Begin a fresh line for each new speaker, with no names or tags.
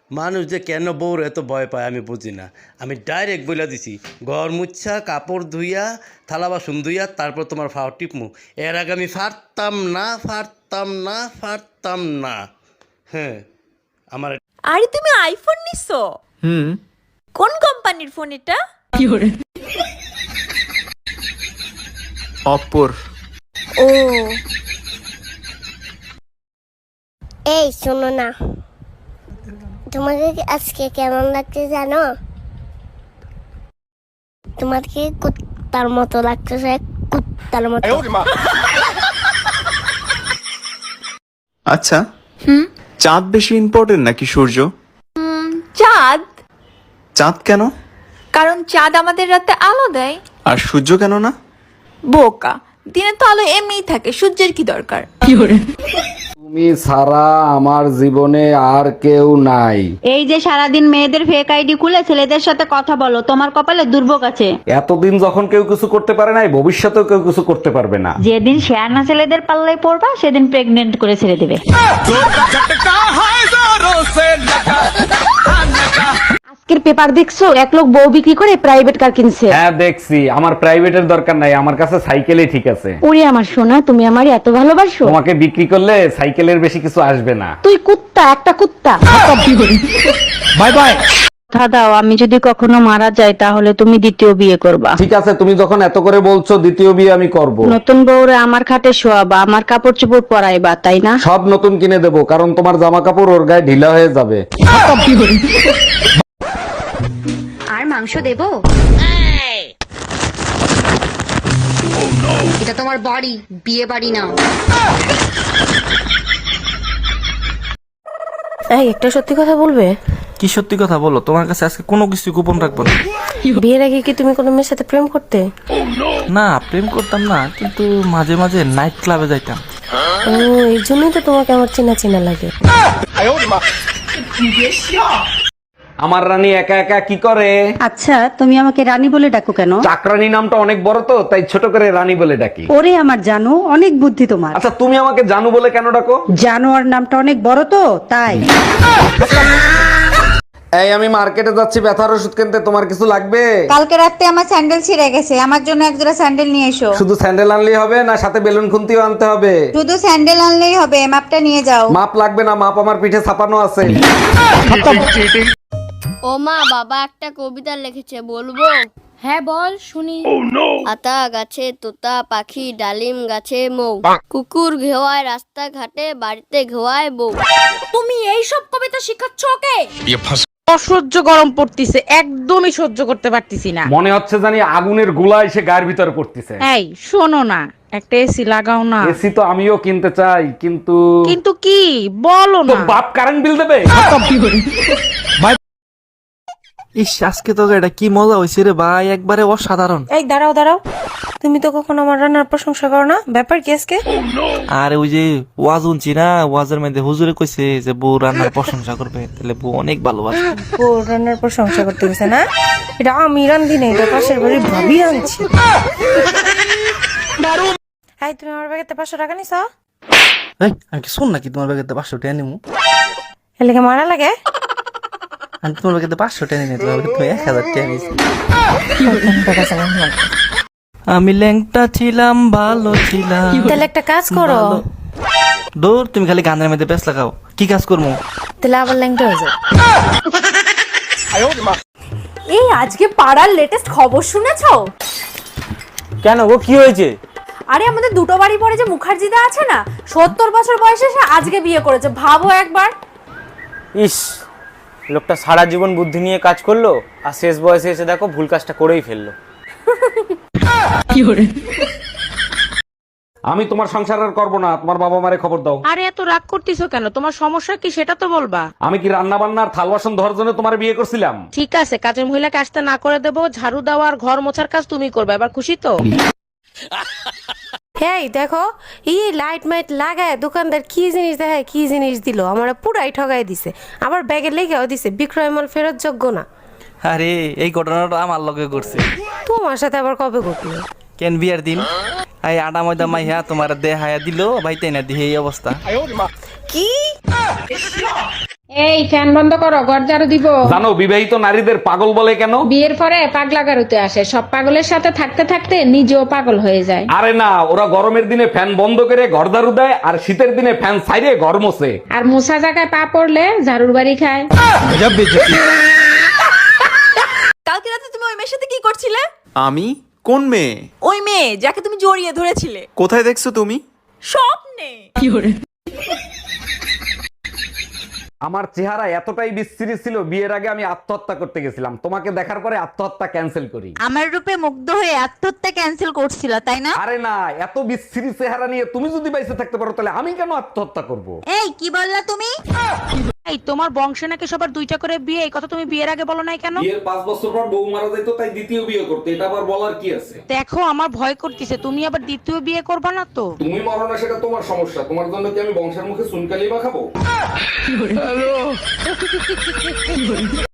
মানুষ যে কেন বউর এত ভয় পায় আমি বুঝি না। আমি ডাইরেক্ট বলে দিছি, ঘর মুচ্ছা কাপড় ধুইয়া থালা বাসন ধুইয়া তারপর তোমার ফাও টিপমু। এর আগে আমি ফারতাম না। হ্যাঁ, আমার
আরে তুমি আইফোন নিছো? কোন কোম্পানির ফোন এটা?
অপর।
ও
এই শোনো না, তোমাকে আজকে কেমন লাগছে জানো? তোমাকে কুত্তার মতো লাগতেছে, কুত্তার মতো।
আচ্ছা, চাঁদ বেশি ইম্পর্টেন্ট নাকি সূর্য?
চাঁদ।
চাঁদ কেন?
কারণ চাঁদ আমাদের রাতে আলো দেয়।
আর সূর্য কেন না?
বোকা, দিনে তো আলো এমনিই থাকে, সূর্যের কি দরকার?
তুমি ছাড়া আমার জীবনে আর কেউ নাই।
এই যে সারাদিন মেয়েদের ফেক আইডি খুলে ছেলেদের সাথে কথা বলো, তোমার কপালে দুর্ভোগ আছে।
এতদিন যখন কেউ কিছু করতে পারে নাই, ভবিষ্যতেও কেউ কিছু করতে পারবে না।
যেদিন শেয়ানা ছেলেদের পাল্লায় পড়বা সেদিন প্রেগনেন্ট করে ছেড়ে দেবে। আজকের পেপার দেখছো, এক লোক বউ বিক্রি করে প্রাইভেট কার কিনছে।
হ্যাঁ দেখছি, আমার প্রাইভেটের দরকার নাই, আমার কাছে সাইকেলই ঠিক আছে।
ওরে আমার সোনা, তুমি আমারে এত ভালোবাসো।
তোমাকে বিক্রি করলে সাইকেলের বেশি কিছু আসবে না।
তুই কুত্তা, একটা কুত্তা।
Bye bye.
কথা দাও, আমি যদি কখনো মারা যাই তাহলে তুমি দ্বিতীয় বিয়ে করবা।
ঠিক আছে, তুমি যখন এত করে বলছো, দ্বিতীয় বিয়ে আমি করব।
নতুন বউরে আমার খাটে শোয়াবা, আমার কাপড় চোপড় পরাইবা, তাই না?
সব নতুন কিনে দেবো, কারণ তোমার জামা কাপড় ওর গায়ে ঢিলা হয়ে যাবে।
আর মাংস দেবো? এটা তোমার বাড়ি, বিয়ে বাড়ি না।
এই একটা সত্যি কথা বলবে?
কি সত্যি কথা বলো? তোমার কাছে আজকে কোনো কিছু গোপন রাখবো না।
বিয়ের আগে কি তুমি কোনো মেয়ের সাথে প্রেম করতে?
না, প্রেম করতাম না, কিন্তু মাঝে মাঝে নাইট ক্লাবে যাইতাম।
ও, এই জন্যই তো তোমাকে আমার চেনা চেনা লাগে।
আমার রানী একা একা কি করে?
আচ্ছা, তুমি আমাকে রানী বলে ডাকো কেন?
চাকরানী নামটা অনেক বড় তো, তাই ছোট করে রানী বলে ডাকি।
ওরে আমার জানো, অনেক বুদ্ধি তোমার।
আচ্ছা, তুমি আমাকে জানু বলে কেন ডাকো?
জানোয়ার নামটা অনেক বড় তো, তাই।
এই আমি মার্কেটে যাচ্ছি ব্যথার ওষুধ কিনতে, তোমার কিছু লাগবে?
কালকে রাতে আমার স্যান্ডেল ছিঁড়ে গেছে, আমার জন্য এক জোড়া স্যান্ডেল নিয়ে এসো।
শুধু স্যান্ডেল আনলেই হবে না, সাথে বেলুন খুন্তিও আনতে হবে?
শুধু স্যান্ডেল আনলেই হবে, মাপটা নিয়ে যাও।
মাপ লাগবে না, মাপ আমার পিঠে ছাপানো আছে।
ও মা, বাবা একটা কবিতা লিখেছে, বলবো?
হ্যাঁ বল শুনি।
আতা গাছে তোতা পাখি, ডালিম গাছে মৌ, কুকুর ঘেওয়ায় রাস্তা ঘাটে, বাড়িতে ঘেওয়ায় বউ।
তুমি এই সব কবিতা শিখাচ্ছ ওকে?
অসহ্য গরম পড়তিছে, একদমই সহ্য করতে পারতিছি না।
মনে হচ্ছে জানি আগুনের গোলা এসে গায়ের ভিতরে পড়তেছে।
এই শোনো না, একটা এসি লাগাও না।
এসি তো আমিও কিনতে চাই, কিন্তু
কিন্তু কি বলো
তো
না।
বাপ কারেন্ট বিল দেবে।
ইস, আজকে তো এটা কি মজা হয়েছে রে ভাই, একবারে অসাধারণ।
এই দাঁড়াও, তুমি তো কখনো আমার রান্নার প্রশংসা করো না, ব্যাপার কি আজকে?
আর ওই যে ওয়াজ শুনছি না, ওয়াজের মধ্যে হুজুরে কইছে যে বউ রান্নার প্রশংসা করবে, তাহলে বউ অনেক ভালোবাসে।
ও রান্নার প্রশংসা করতে গেছে না? এটা আমি রান্ধি না, এটা পাশের বাড়ির ভাবি রাঁধছে। এই তুমি আমার ব্যাগেতে 500 টাকা নিছো?
এই, আমি কি শুন নাকি তোমার ব্যাগেতে 500 টাকা নিমু?
এর লেগে মারা লাগে?
আমি তোমার ব্যাগেতে 500 টাকা নিই, তোমার ব্যাগেতে 1000 টাকা নিয়েছি। আমি ল্যাংটা ছিলাম, ভালো ছিলাম।
তাহলে একটা কাজ করো।
দূর, তুমি খালি গানের মধ্যে ব্যস্ত লাগাও। কি কাজ করবো?
তাহলে আবার ল্যাংটা হয়ে যাও।
এই আজকে পাড়ার লেটেস্ট খবর শুনেছো?
কেন গো, কি হয়েছে?
আরে আমাদের দুটো বাড়ি পরে যে মুখার্জিদা আছে না, 70 বছর বয়সে সে আজকে বিয়ে করেছে, ভাবো একবার।
ইস, লোকটা সারা জীবন বুদ্ধি নিয়ে কাজ করলো, আর শেষ বয়সে এসে দেখো ভুল কাজটা করেই ফেললো।
আমি তোমার সংসার আর করবো না, তোমার বাবা মারে খবর দাও।
আরে এত রাগ করতেছো কেন? তোমার সমস্যা কি সেটা তো বলবা।
আমি কি রান্না বান্নার থাল বাসন ধরার জন্য তোমার বিয়ে করছিলাম?
ঠিক আছে, কাজের মহিলাকে আসতে না করে দেবো, ঝাড়ু দেওয়া আর ঘর মোছার কাজ তুমি করবে, এবার খুশি তো? এই দেখো, লাইট মাইট লাগায় দোকানদার কি জিনিস দেখায়, কি জিনিস দিল, আমার পুরাই ঠগাই দিছে, আবার ব্যাগে লেগেও দিছে বিক্রয় মাল ফেরত যোগ্য না।
আরে এই ঘটনাটা আমার লগে করছে।
তোমার সাথে আবার কবে ঘটলো?
কেন বিয়ার দিন এই আডা ময়দা মাইয়া তোমার দেহায়া দিল, ভাই তাই না দিয়ে এই অবস্থা।
কি
এই ফ্যান বন্ধ করো, ঘর ঝাড়ু দিব।
জানো বিবাহিত নারীদের পাগল বলে কেন?
বিয়ের পরে পাগলা গারুতে আসে, সব পাগলের সাথে থাকতে থাকতে নিজেও পাগল হয়ে যায়।
আরে না, ওরা গরমের দিনে ফ্যান বন্ধ করে ঘর ঝাড়ু দেয় আর শীতের দিনে ফ্যান ছাইরে ঘর মোছে।
আর মুসা জায়গায় পা পড়লে ঝাড়ুর বাড়ি খায়।
কালকে রাতে তুমি ওই মেয়ের সাথে কি করছিলে?
আমি? কোন মেয়ে?
ওই মেয়ে যাকে তুমি জড়িয়ে ধরেছিলে
কোথায় দেখছো তুমি?
স্বপ্নে।
আমার চেহারা এতটাই বিশ্রী ছিল, বিয়ের আগে আমি আত্মহত্যা করতে গেছিলাম। তোমাকে দেখার পরে আত্মহত্যা ক্যান্সেল করি।
আমার রূপে মুগ্ধ হয়ে আত্মহত্যা ক্যান্সেল করছিল তাই না?
আরে না, এত বিশ্রী চেহারা নিয়ে তুমি যদি বাইসে থাকতে পারো তাহলে আমি কেন আত্মহত্যা করব?
এই কি বললা তুমি?
এই তোমার বংশে নাকি সবার দুইটা করে বিয়ে, এই কথা তুমি বিয়ের আগে বলো নাই কেন?
বিয়ের 5 বছর পর বউ মারা যাইতো, তাই দ্বিতীয় বিয়ে করতে। এটা আবার বলার কি আছে?
দেখো আমার ভয় করতেছে, তুমি আবার দ্বিতীয় বিয়ে করবা না তো?
তুমি মরো না সেটা তোমার সমস্যা, তোমার জন্য কি আমি বংশের মুখে চুনকালি মাখাবো?